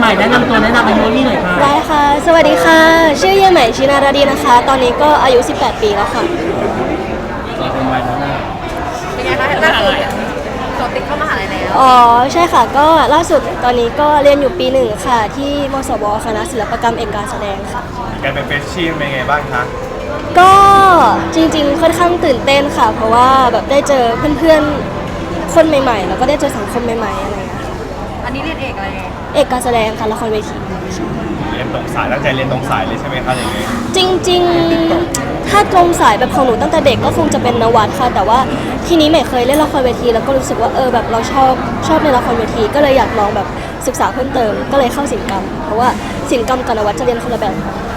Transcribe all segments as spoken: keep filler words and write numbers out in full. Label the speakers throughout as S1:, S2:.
S1: ม่แนะนำตัวแนะนำอายุนี่หน่อยค่ะ
S2: ได้ค่ะสวัสดีค่ะชื่อเยี่ยมใหม่ชินาราดีนะคะตอนนี้ก็อายุสิบแปดปีแล้วค่ะ
S1: เป็นวัยแล้วนะ
S3: เป็นไงคะล่าสุดสอบติดเข้ามหาลัยแล้ว
S2: อ๋อใช่ค่ะก็ล่าสุดตอนนี้ก็เรียนอยู่ปีหนึ่งค่ะที่มศวคณะศิลปกรรมเอกการแสดงค่ะ
S4: การเป็นเฟรชชี่เป็นไงบ้างคะ
S2: ก็จริงๆค่อนข้างตื่นเต้นค่ะเพราะว่าแบบได้เจอเพื่อนๆคนใหม่ๆแล้วก็ได้เจอสังคมใหม่ๆอะไรอย่างเงี้ยค่ะ
S3: อันนี้เรียนเอกอะไร
S2: เอกการแสดงค่ะละครเวที
S4: เรียนตรงสายตั้งใจเรียนตรงสายเลยใช่ไหมคะอย่างนี้
S2: จริงๆถ้าตรงสายแบบของหนูตั้งแต่เด็กก็คงจะเป็นนวัดค่ะแต่ว่าทีนี้ใหม่เคยเล่นละครเวทีแล้วก็รู้สึกว่าเออแบบเราชอบชอบในละครเวทีก็เลยอยากลองแบบศึกษาเพิ่มเติมก็เลยเข้าศิลปกรรมเพราะว่าศิลปกรรมกับนวัดจะเรียนคนละแบบ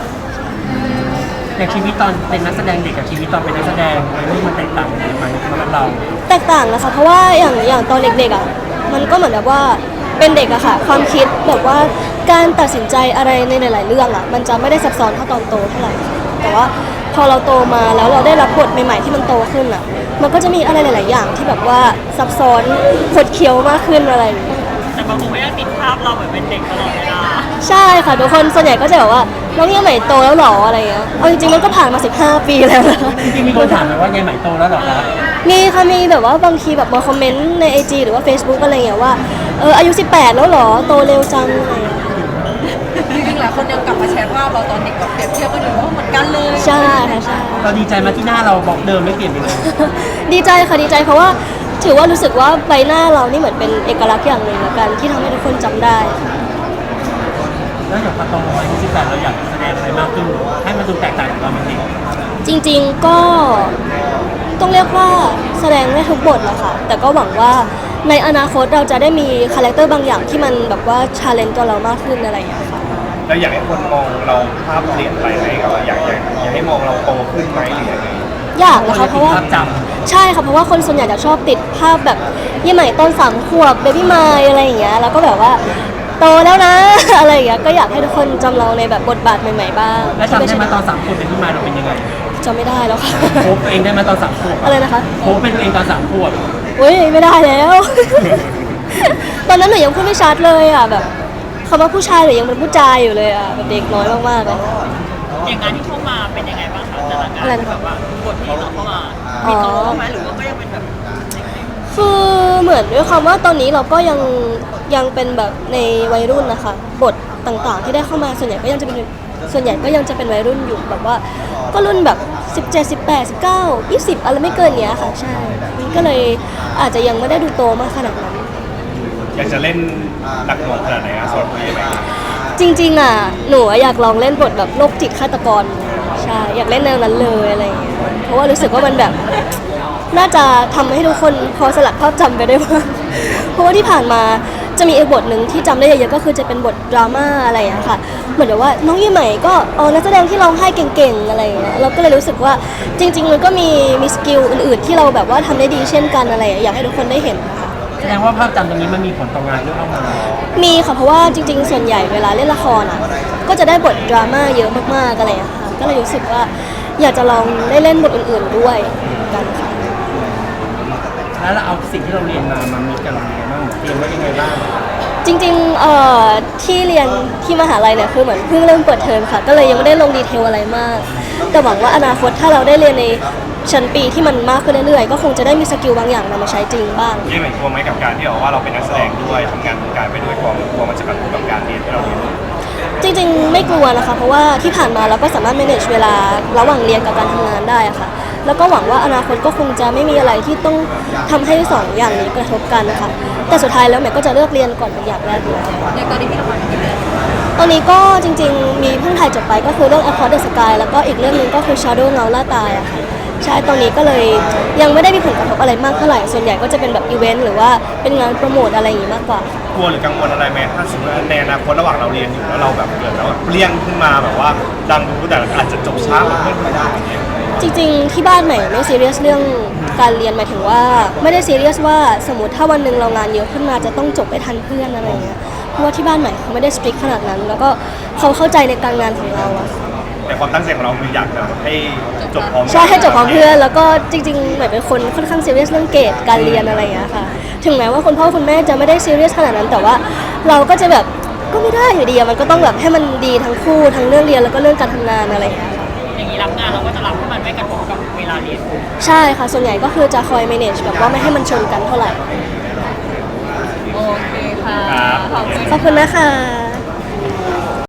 S1: อย่างชีวิตตอนเป็นนักแสดงเด็กกับชีวิตตอนเป็นนักแสดงวัยรุ่นมันแตกต่างกันไหมสำหรับเรา
S2: แตกต่างนะคะเพราะว่าอย่างอย่างตอนเด็กๆอ่ะมันก็เหมือนแบบว่าเป็นเด็กอะค่ะความคิดแบบว่าการตัดสินใจอะไรในหลายๆเรื่องอะมันจะไม่ได้ซับซ้อนเท่าตอนโตเท่าไหร่แต่ว่าพอเราโตมาแล้วเราได้รับบทใหม่ๆที่มันโตขึ้นอะมันก็จะมีอะไรหลายๆอย่างที่แบบว่าซับซ้อนขดเคี้ยวมากขึ้นอะไรอย่างเงี้ย
S3: แต่บางคนก็ยังติดภาพเราเหมือนเป็นเด็กตลอดเวลา
S2: ใช่ค่ะทุกคนส่วนใหญ่ก็จะแบบว่าน้องยังใหม่โตแล้วหรออะไรเงี้ยเอาจริงๆมันก็ผ่านมาสิบห้าปีแล้วนะ
S1: จริงๆมีคนถามไหมว่ายายใหม่โตแล้วหรอคะ
S2: มีค่ะมีแบบว่าบางทีแบบมาคอมเมนต์ใน ไอ จี หรือว่า Facebook อะไรอย่างเงี้ยว่าเอออายุสิบแปดแล้วหรอโตเร็วจังอะไรอย่างเงี้ย
S3: จริงๆหลายคนยังกลับมาแชร์ภาพเราตอนเด็กแบบเปรียบเทียบกันอยู่ว่าเหมือนกันเลย
S2: ใช่ค่ะใช่
S1: เราดีใจมาที่หน้าเราบอกเดิมไม่เปลี่ยนไปเลย
S2: ดีใจค่ะดีใจเพราะว่าถือว่ารู้สึกว่าใบหน้าเรานี่เหมือนเป็นเอกลักษณ์อย่างหนึ่งละกันที่ทำให้ทุกคนจำได้
S1: แล้วอย่างพอโตอายุสิบแปดเราอยากแสดงอะไรมากขึ้นให้มันดูแตกต่างจากตอนเป็นเด็ก
S2: จริงๆก็ต้องเรียกว่าแสดงได้ทุกบทแหละค่ะแต่ก็หวังว่าในอนาคตเราจะได้มีคาแรคเตอร์บางอย่างที่มันแบบว่าชาเลนจ์ตัวเรามากขึ้นอะไรอย่างเงี้ยค่ะ
S4: แล้วอยากให้คนมองเราภาพเปลี่ยนไปไหมครับอยากอยากอยากให้มองเราโตขึ้นไหมหรือยังไง
S2: อยากนะคะเพราะว่าใช่ค่ะเพราะว่าคนส่วนใหญ่จะชอบติดภาพแบบยี่ใหม่ต้นสามขวบเบบี้มายอะไรอย่างเงี้ยแล้วก็แบบว่าโตแล้วนะ อะไรอย่างเงี้ยก็อยากให้ทุกคนจำเราในแบบบทบาทใหม่ๆบ้าง
S1: แล้วจำได้มาตอนสามขวบเป็นที่มาเราเป็นยังไง
S2: จำไม่ได้แล้วค่ะ
S1: โค้ชเองได้มาตอนสามขวบ
S2: อะไรนะคะ
S1: โค้ชเป็นเองตอนสามขวบ
S2: อุ้ยไม่ได้แล้ว ตอนนั้นหนูยังพูดไม่ชัดเลยอ่ะแบบคำว่าผู้ชายหรือยังเป็นผู้ชายอยู่เลยอ่ะแบบเด็กน้อยมากๆเลย
S3: อย่างงานที่เข้ามาเป็นยังไงบ้างคะแต่ละงานแบบว่าบทที่เราเข้ามามีโตไหมหรือว่าก็ยังเป็นแบบ
S2: คือเหมือนด้วยความว่าตอนนี้เราก็ยังยังเป็นแบบในวัยรุ่นนะคะบทต่างๆที่ได้เข้ามาส่วนใหญ่ก็ยังจะเป็นส่วนใหญ่ก็ยังจะเป็นวัยรุ่นอยู่แบบว่าก็รุ่นแบบสิบเจ็ด สิบแปด สิบเก้า ยี่สิบอะไรไม่เกินเนี้ยค่ะใช่ก็เลยอาจจะยังไม่ได้ดูโตมากขนาดนั้น
S4: อยากจะเล่นหนักหน่วงขนาดไหนอะสำหรับคุณยังไง
S2: จริงๆอ่ะหนูอยากลองเล่นบทแบบโรคจิตฆาตกรใช่อยากเล่นแนวนั้นเลยอะไรอย่างเงี้ยเพราะว่ารู้สึกว่ามันแบบน่าจะทำให้ทุกคนพอสลัดภาพจำไปได้บ้างเพราะว่าที่ผ่านมาจะมีอีกบทหนึ่งที่จำได้เยอะๆก็คือจะเป็นบทดราม่าอะไรอย่างเงี้ยค่ะเหมือนแบบว่าน้องยี่ใหม่ก็เออนักแสดงที่ร้องไห้เก่งๆอะไรอย่างเงี้ยเราก็เลยรู้สึกว่าจริงๆมันก็มีมีสกิลอื่นๆที่เราแบบว่าทำได้ดีเช่นกันอะไรอยากให้ทุกคนได้เห็นค่ะ
S1: แสดงว่าภาพจำตรงนี้มันมีผลต่องานที่เข้ามา
S2: มีค่ะเพราะว่าจริงๆส่วนใหญ่เวลาเล่นละครอ่ะก็จะได้บทดราม่าเยอะมากๆอะไรอย่างเงี้ยค่ะก็เลยรู้สึกว่าอยากจะลองได้เล่นบทอื่นๆด้วยกันค่ะ
S1: แล้วเราเอาสิ่งที่เราเรียนมามามีกับเรายังไงบ้างเรียนว่ายังไงบ้าง
S2: จริงๆเอ่อที่เรียนที่มหาลัยเนี่ยคือเหมือนเพิ่งเริ่มเปิดเทอมค่ะก็เลยยังไม่ได้ลงดีเทลอะไรมากแต่หวังว่าอนาคตถ้าเราได้เรียนในชั้นปีที่มันมากขึ้นเรื่อยๆก็คงจะได้มีสกิลบางอย่างนำมาใช้จริงบ้าง
S4: ยี่เหมือนกลัวไหมกับการที่บอกว่าเราเป็นนักแสดงด้วยทำงานวงการไปด้วยกลัวกลัวมันจะกระทบกับการเรียนที่เราเรียน
S2: จริงๆไม่กลัวนะคะเพราะว่าที่ผ่านมาเราก็สามารถ manage เวลาระหว่างเรียนกับการทำงานได้อะค่ะแล้วก็หวังว่าอนาคตก็คงจะไม่มีอะไรที่ต้องทำให้สองอย่างนี้กระทบกันนะคะแต่สุดท้ายแล้วแม่ก็จะเลือกเรียนก่อนเป็นอย่างแรกเลย
S3: อย่างตอนนี้พี่ละครกี่เรื่อง
S2: ตอนนี้ก็จริงๆมีเพิ่งถ่ายจบไปก็คือเรื่อง Across the Sky แล้วก็อีกเรื่องนึงก็คือ Shadow เงาล่าตายอะค่ะใช่ตอนนี้ก็เลยยังไม่ได้มีผลกระทบอะไรมากเท่าไหร่ส่วนใหญ่ก็จะเป็นแบบอีเวนต์หรือว่าเป็นงานโปรโมทอะไรอย่างนี้มากกว่าก
S4: ลัวหรือกังวลอะไรไหมถ้าสมมติในอนาคตระหว่างเราเรียนอยู่แล้วเราแบบเกิดแล้วเปรี้ยงขึ้นมาแบบว่าดังรู้แต่อาจจะจบช้ากว่าเพื่อนไม่ได้อย่างเงี้ย
S2: จริงๆที่บ้านใหม่ไม่ซีเรียสเรื่องการเรียนหมายถึงว่าไม่ได้ซีเรียสว่าสมมติถ้าวันหนึ่งเรางานเยอะขึ้นมาจะต้องจบไปทันเพื่อนอะไรเงี้ยเพราะว่าที่บ้านใหม่เขาไม่ได้สตริกขนาดนั้นแล้วก็เขาเข้าใจในการงานของเราอะ
S4: แต่ความตั้งใจของเราคืออยากแบบให้จบพร้อม
S2: ใช่ให้จบพร้อมเพื่อนแล้วก็จริงๆเหมือนเป็นคนค่อนข้างซีเรียสเรื่องเกรดการเรียนอะไรอย่างเงี้ยค่ะถึงแม้ว่าคุณพ่อคุณแม่จะไม่ได้ซีเรียสขนาดนั้นแต่ว่าเราก็จะแบบก็ไม่ได้อยู่ดีอะมันก็ต้องแบบให้มันดีทั้งคู่ทั้งเรื่องเรียนแล้วก็เรื่องการทำงานอะไรอย่างเงี้ยค่ะ
S3: อย่างนี้รับงานเราก็จะรับให้มันไม่กระทบกับเวลาเรียน
S2: ใช่ค่ะส่วนใหญ่ก็คือจะคอย manage แบบว่าไม่ให้มันชนกันเท่าไหร่
S3: โอเคค่ะ
S4: ครับ
S3: ขอบคุณ
S2: ขอบคุณนะคะ